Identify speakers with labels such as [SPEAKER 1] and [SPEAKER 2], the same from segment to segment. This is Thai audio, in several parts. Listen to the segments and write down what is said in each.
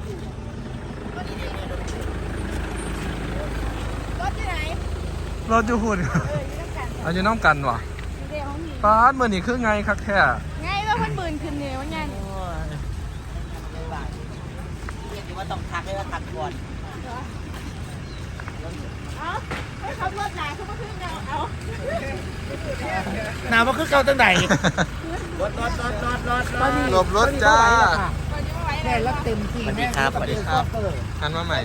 [SPEAKER 1] รถที่ไหน
[SPEAKER 2] รถอยู่หุ่นอายุน้องกันวะป้าดเมื่อนี้คือไงครับแค่
[SPEAKER 1] ไงว่ามันบืนขึ้นเนี่ยวันยัน
[SPEAKER 3] เรียกว่าต้องทักเลยว่าทักก่อน
[SPEAKER 1] เอาให้ขับรถหนาเขามาขึ้นเอา
[SPEAKER 3] หนาวมาขึ้นเก่าตั้งไหน
[SPEAKER 2] หลบรถจ้า
[SPEAKER 3] แค่รับเต็มที่สวัสดีครับสวัสดีครับ
[SPEAKER 2] หันมาใหม่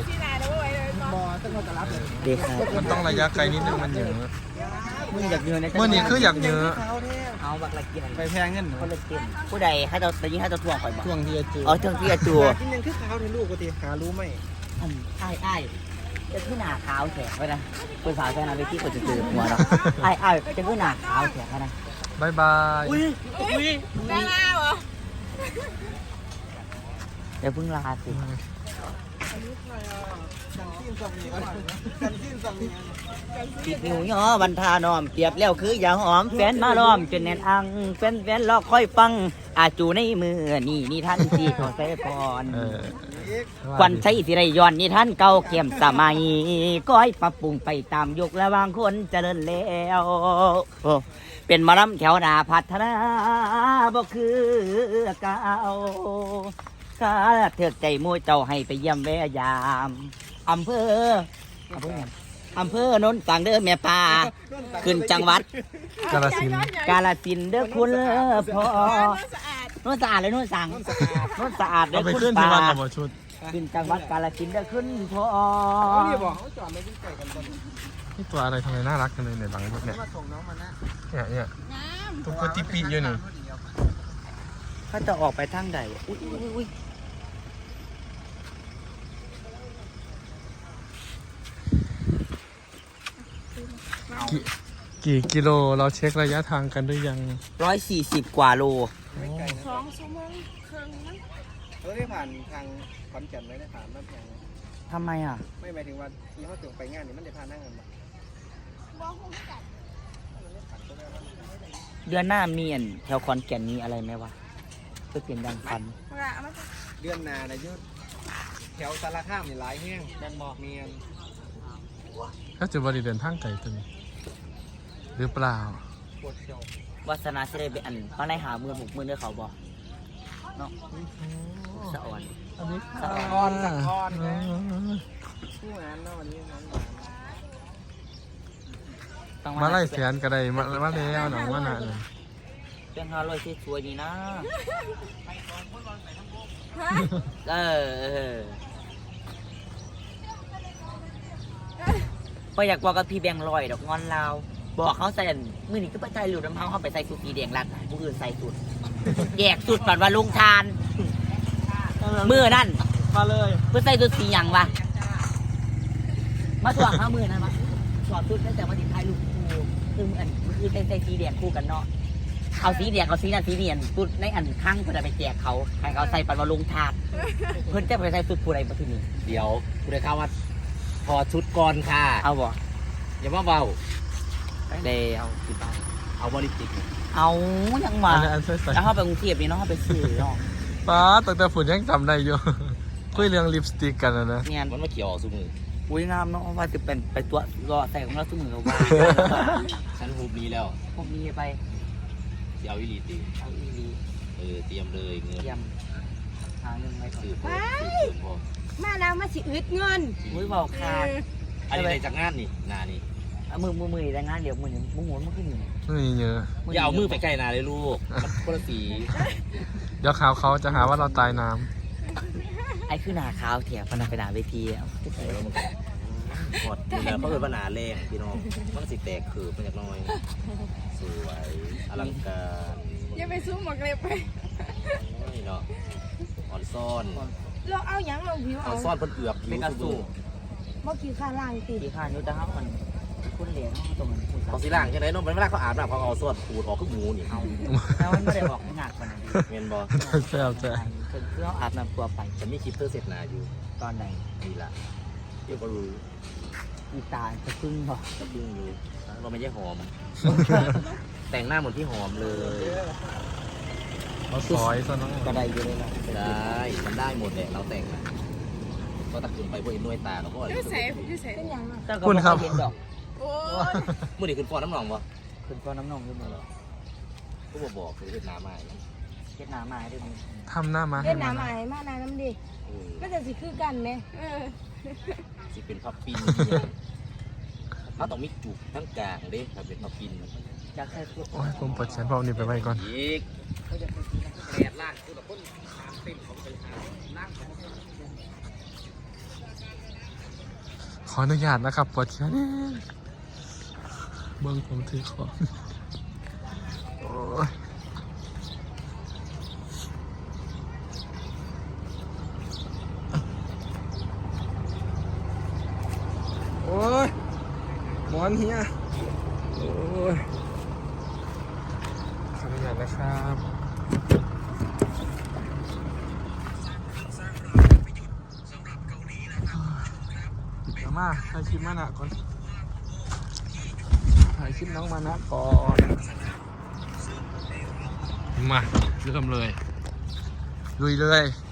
[SPEAKER 3] ดีครับ
[SPEAKER 2] มันต้องระยะไกลนิดนึงมันเยอะ
[SPEAKER 3] มึงอยากเยอะนะ
[SPEAKER 2] เมื่อนี้คืออยากเยอะ
[SPEAKER 3] เอาบักละเกียน
[SPEAKER 2] ไปแพงเงิน
[SPEAKER 3] คนละเกียนผู้ใดให้เราแต่ยิ่งให้เราทวงข่อยบ่
[SPEAKER 2] ทวงที่จะจู
[SPEAKER 3] ทวงที่จะจู
[SPEAKER 2] กินยังคือขาวในลูกกูตีหารู้ไหม
[SPEAKER 3] อ้ายจะขึ้นหนาขาวแฉะไว้นะคุณสาวแค่นั้นไปที่คนจะเจอหัวเราอ้ายจะขึ้นหนาขาวแฉะไว้นะ
[SPEAKER 2] บายบาย
[SPEAKER 1] อุ้ยได้แล้วเหรอ
[SPEAKER 3] เดี๋ยวเพิ่งลาสิติดนิ้วย่อบันทานอมเปรียบแล้วคืออย่าหอมแฟนมาล้อมจนแน่นอังแฟนรอคอยฟังอาจูในมือนี่ท่านที่ขอใส่พรควันใช้สิไรย้อนนี่ท่านเก่าเกี่ยมสมัยก้อยปรับปรุงไปตามยุคและบางคนเจริญแล้วเป็นมะลำแถวหน้าพัฒนาบ่คือเก่าข้าเถิดใจมู่เจ้าให้ไปเยี่ยมแวะยามอำเภอนนท์สังเด้อแม่ป่าขึ้นจังหวัด
[SPEAKER 2] กาฬสิน
[SPEAKER 3] ธุ์เด้อคุณพ่อนนท์สะอาดเลยนนท์สั่งนนท์สะอาดเด้อคุณป่าขึ้นจังหวัดกาฬสินธุ์เด้อคุณพ่อ
[SPEAKER 2] นี่บอกเขาจอดไม่ได้ไกลกันนี่ตัวอะไรทำไมน่ารักกันเลยเนี่ยหลังรถเนี่ยเนี่ยตุ๊กติปีอยู่นี่
[SPEAKER 3] เขาจะออกไปทางใดอุ้ย
[SPEAKER 2] กี่กิโลเราเช็คระยะทางกันหรือยัง
[SPEAKER 3] 140 กว่าโล
[SPEAKER 1] 2 ชั่วโมงครึ่งนะ
[SPEAKER 2] ได้ผ่านทางขอนแก่นไม่ได้ผ่านน้ำแข็ง
[SPEAKER 3] ทำไมอ่ะ
[SPEAKER 2] ไม่หมายถึงว่าที่เขาถึงไปงานนี่มันจะผ่านนั่งกัน
[SPEAKER 3] เดือนหน้ามีแถวขอนแก่นมีอะไรไหมวะเพื่อเปลี่ยนดังฟัน
[SPEAKER 2] เดือนหน้านะยุทธแถวสารคามนี่หลายแห้งดันบอกเมียนถ้าจะบริเดินทางไกลตัวนี้หรือเปล่าว
[SPEAKER 3] าสนาจะได้ไปเขาในหามือ6 มือเด้อเขาบอกเนาะสะอ่อน
[SPEAKER 2] อันนี้
[SPEAKER 3] สะอ่อน
[SPEAKER 2] ผู้งานเนาะวันนี้มาไล่เสียนก็ได้มาแล้วหนังว่าหนาเลย
[SPEAKER 3] เป็น500ที่สวยดีนะก็อยากบอกกับพี่แบงค์ลอยดอกงอนลาวบอกเขาใส่มือนี่ก็ไปใส่หลุดน้ำเขาไปใส่สุดสีแดงรัดผู้อื่นใส่สุดแยกสุดปัดว่าลุงทานมือนั่น
[SPEAKER 2] มาเลย
[SPEAKER 3] เพื่อใส่สุดสีอย่างวะมาถ่วงข้ามือนั่นวะถอดสุดตั้งแต่มาติดท้ายลูกคู่คือคือใส่สีแดงคู่กันเนาะเอาสีแดงเอาสีนั่นสีเนียนสุดในอันข้างเพื่อไปแจกเขาใครเขาใส่ปัดว่าลุงทานเพื่อนจะไปใส่สุดผู้ใดมาที่นี่
[SPEAKER 4] เดี๋ยวผู้ใดเข้าว่าพอชุดก่อนค่ะ
[SPEAKER 3] เอาบ่
[SPEAKER 4] อย่ามาเบา
[SPEAKER 3] เดเอากี่บาท
[SPEAKER 4] เอาบริจิก
[SPEAKER 3] เอายังมาแล้วเขาไปกรุงเทพนี่เนาะเขาไปซื้อเนาะ
[SPEAKER 2] ป้าแต่ฝุ่นยังจำได้อยู่คุยเรื่องลิปสติกกันนะ
[SPEAKER 3] เนี่ย
[SPEAKER 4] มันมาเกี่ยวสุมือ
[SPEAKER 3] อุ้ยงามเนาะว่าจะเป็นไปตัวรอใส่ของเราสุมือเราว่า
[SPEAKER 4] ฉันหูนี้แล้ว
[SPEAKER 3] ผมมีไป
[SPEAKER 4] เอาอีลีตี
[SPEAKER 3] เอาอีลี
[SPEAKER 4] เตรียมเลยเงิน
[SPEAKER 3] เตรียมหาเงินไป
[SPEAKER 4] ซื้อพอ
[SPEAKER 1] มาแล้วมาสิอึดเงิน
[SPEAKER 3] อุ้ยบอกขาด
[SPEAKER 4] อันนี้จากงานนี่นานี่
[SPEAKER 3] มือแต่งานเดี๋ยวมือมันขึ้นอยู่
[SPEAKER 2] นี่เยอะ
[SPEAKER 4] อย่าเอามือไปใกล้นาเลยลูกคนละสี
[SPEAKER 2] เดี๋ยวข่าวเขาจะหาว่าเราตายน้
[SPEAKER 3] ำไอ้คือหนาขาวเถียงพนักไปหนาเวทีแล้ว
[SPEAKER 4] หมดนี่แหละเพราะเป็นปัญหาแรงพี่น้องมันสิแตกคือเป็นอย่างน้อยสวยอลังการ
[SPEAKER 1] อย่าไปซูมหมกเล็บไป
[SPEAKER 4] นี่เนาะอ่อนซ่อน
[SPEAKER 1] เราเอาอย่างเราผิว
[SPEAKER 4] เอาซ่อนเป็นเอือบ
[SPEAKER 3] เป็นกระสุน
[SPEAKER 1] เมื่อกี้ข้าล่างตี
[SPEAKER 3] ข้ายุติธรรมมันคุณเหรียญตรงนั้น
[SPEAKER 4] เขาสีล่างใช่ไหมน้องมันไม่ได้เขาอาบน้ำเขาเอาซ่อนปูดออกขึ้นหมูนี่
[SPEAKER 3] แล้วมันไม่ได้ออกหนักขนาดนี้
[SPEAKER 4] เมนบอล
[SPEAKER 2] แซ่บแซ่บ
[SPEAKER 3] เพื่ออาบน้ำตัวไป
[SPEAKER 4] ฉันมีคลิปเตอร์เสร็จนาอยู่
[SPEAKER 3] ตอนไหน
[SPEAKER 4] นี่ละเดี๋ยวก็รู้
[SPEAKER 3] อีตาจะพึ่งหรอ
[SPEAKER 4] จะพึ่งอยู่เราไม่ใช่หอมแต่งหน้าเหมือนพี่หอมเลย
[SPEAKER 2] เขาซอยซะน้อง
[SPEAKER 3] ก็ได้เยอะเลยนะ
[SPEAKER 4] ได้มันได้หมดแหละเราแต่งก็ตะคืนไปพวกเห็นหน่วยตาเขาก็
[SPEAKER 1] ยูเซฟเป็นยังไง
[SPEAKER 3] เจ้าก็บ่เห็นดอก
[SPEAKER 1] โอ้ย
[SPEAKER 4] เมื่อนี้ขึ้นฟอนน้ำหนองวะ
[SPEAKER 3] ขึ้นก้อนน้ำนองอยู่มื้อ
[SPEAKER 4] ก็บอกคือเห็นน้ำใหม่
[SPEAKER 3] เฮ็ดหน้ามาให้ด้วยมึง
[SPEAKER 2] ทำหน้ามา
[SPEAKER 1] เล่นน้ำใหม่มานาน้ำดิก็จะสิคือกันไหม
[SPEAKER 4] สิเป็นพับปินถ้าต้องมีจุกทั้งกลางเด้ถ้าเป็นพับปิน
[SPEAKER 3] อยากใส่พวก
[SPEAKER 2] โอ้ยผมเปิดแชนเบานี่ไปไว้ก่อน
[SPEAKER 4] อีกแดดล่างคือแบบคนตามเต็มเขาไปหาล่าง
[SPEAKER 2] ขออนุญาตนะครับปวดแขนเบิ้งผมถือของโอ้ยโอ้ยหมอนเฮียโอ้ยขออนุญาตนะครับเดี๋ยวมาถ่ายคลิปมานะก่อนถ่ายคลิปน้องมานะก่อนมาเริ่มเลยลุยเลย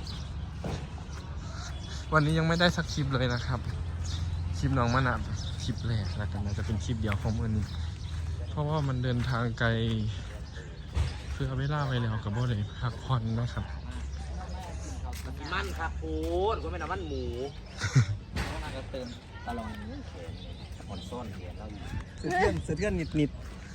[SPEAKER 2] วันนี้ยังไม่ได้สักคลิปเลยนะครับคลิปน้องมานะคลิปแรกแล้วกันนะจะเป็นคลิปเดียวของวันนี้เพราะว่ามันเดินทางไกลเพื่อเวลาไปแล้วกับบ่ได้พักผ่อนนะครับ
[SPEAKER 4] มันครับโอ้ยก็ไม่น้ำมันหมู
[SPEAKER 3] ก็เติมตลอด
[SPEAKER 4] อ่อนซ่อนเขียนเราอยู่
[SPEAKER 2] เสือเทือนนิด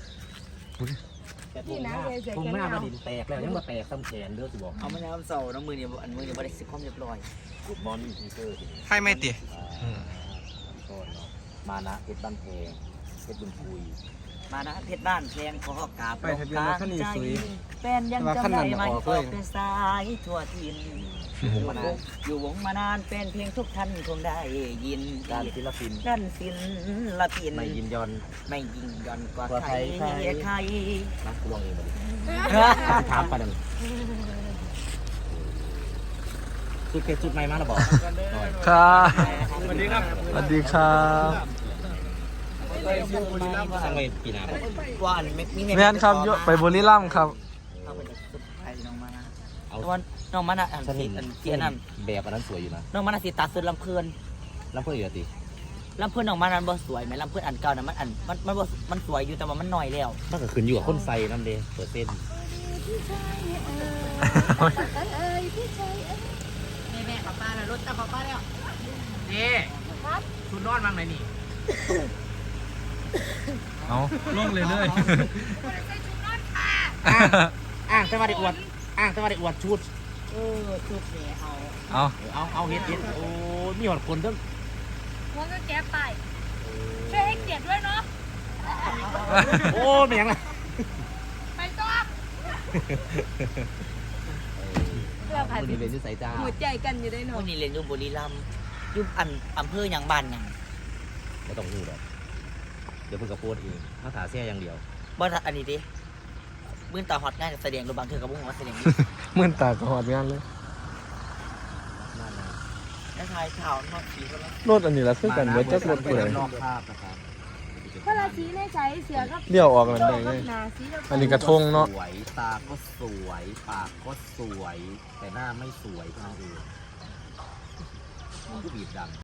[SPEAKER 4] แต่ทุ่งหน้ามาดินแตกแล้วยังมาแตกซ้ำแขนเด้อสิบอก
[SPEAKER 3] เอามาแล้วเสาร์น้ำมือเนี่ยอันมือเนี่ยบ่ได้สิความเรียบร้อย
[SPEAKER 4] กูดมอนทีเตอร์
[SPEAKER 2] ๆให้ไม่ติ
[SPEAKER 4] ต้นมานะเพชรบ้านเพลงเพชรบุญคุย
[SPEAKER 3] มานะเพชรบ้านแพงขอกราบ
[SPEAKER 2] ไปทะเบียนรถคันนี้สวย
[SPEAKER 3] แฟนยังจำได้ไหมออกเป็นสายทั่วทินอยู่วงมานานเป็นเพลงทุกท่านคงได้ยิน
[SPEAKER 4] ด้านศิลปิน
[SPEAKER 3] ด้านศิลปิน
[SPEAKER 4] ไม่ยินยอน
[SPEAKER 3] ไม่ยิงย่อนกว่าใครใคร
[SPEAKER 4] นะกูลองเองมาดิถามไปนั่นจุดเพชรจุดใหม่มาแล้วบอก
[SPEAKER 2] ครับสวัสดีครับสวัสดีครับ
[SPEAKER 4] สั่งไปปีหน้า
[SPEAKER 3] ว่าอันมี
[SPEAKER 2] แม่นครับยกไปบุรีรัมย์ครับ
[SPEAKER 3] เอาไปสุดท้ายน้องมานะ
[SPEAKER 4] เอา
[SPEAKER 3] ตอนน้องมานะอัน
[SPEAKER 4] ฉัน
[SPEAKER 3] ที่
[SPEAKER 4] เห็น
[SPEAKER 3] อันเจียนั่น
[SPEAKER 4] แบบอันนั้นสวยอยู่นะ
[SPEAKER 3] น้องมานะสิตัดสุดลำเพลิน
[SPEAKER 4] แล้วเพื่อนอยู่ติ
[SPEAKER 3] ลำเพลินน้องมานั้นบ่สวยไหมลำเพลินอันเก่านะมันอันมันบ่มันสวยอยู่แต่ว่ามันหน่อยแล้ว
[SPEAKER 4] มันก็ขึ้นอยู่กับคนใส่น้ำเดเปิดเส้น
[SPEAKER 3] แม่ป้าป้านะรถตาป้าป้าแล้ว
[SPEAKER 4] นี่ชุดนอนบ้างไหมนี่
[SPEAKER 2] เอาลงเลยเลย
[SPEAKER 4] จะมาได้อวดจะมาได้อวดชุด
[SPEAKER 3] ชุดนี้เอา
[SPEAKER 2] เอา
[SPEAKER 4] เฮ็ดโอ้มีหอดคนทั้ง
[SPEAKER 1] มันก็แก้ไปช่วยให้เกียรติด้วยเนาะ
[SPEAKER 4] โอ้แม่งละ
[SPEAKER 1] ไปต้อเราผ่าน
[SPEAKER 4] คนนี้เป็นนิสัยจ้า
[SPEAKER 1] หัวใจกันอยู่ได้เนาะ
[SPEAKER 3] วันนี้เรียนอยู่บุรีรัมย์อยู่อำเภอหยังบ้านหยัง
[SPEAKER 4] ไม่ต้องพูดหรอกเดี๋ยวเพิ่งกระโปดเองถ้าถาแซ่อย่างเดียว
[SPEAKER 3] บ่อันนี้ดิมื้อตาฮอตง่ายแสดงรูปบางเทื่อกับบ่ฮู้ว่าแสดง
[SPEAKER 2] มื่นตากระหอดงานเลย
[SPEAKER 4] นั่นนะ
[SPEAKER 3] แล้วทายข่าวนอกสีก็แล้ว
[SPEAKER 2] รถอันนี้ละคือกันเบิดจักรถเปื่อย
[SPEAKER 4] นอกภาพนะครับ
[SPEAKER 1] เพราะเราสีในใจเสือก็
[SPEAKER 2] เลี้ยวออกนั่นได้ไง
[SPEAKER 1] หนาสีเรา
[SPEAKER 2] อันนี้กระทงเนาะ
[SPEAKER 4] สวยตาก็สวยปากก็สวย แต่หน้าไม่สวยเท่านั้นเองมันก็บีบดัง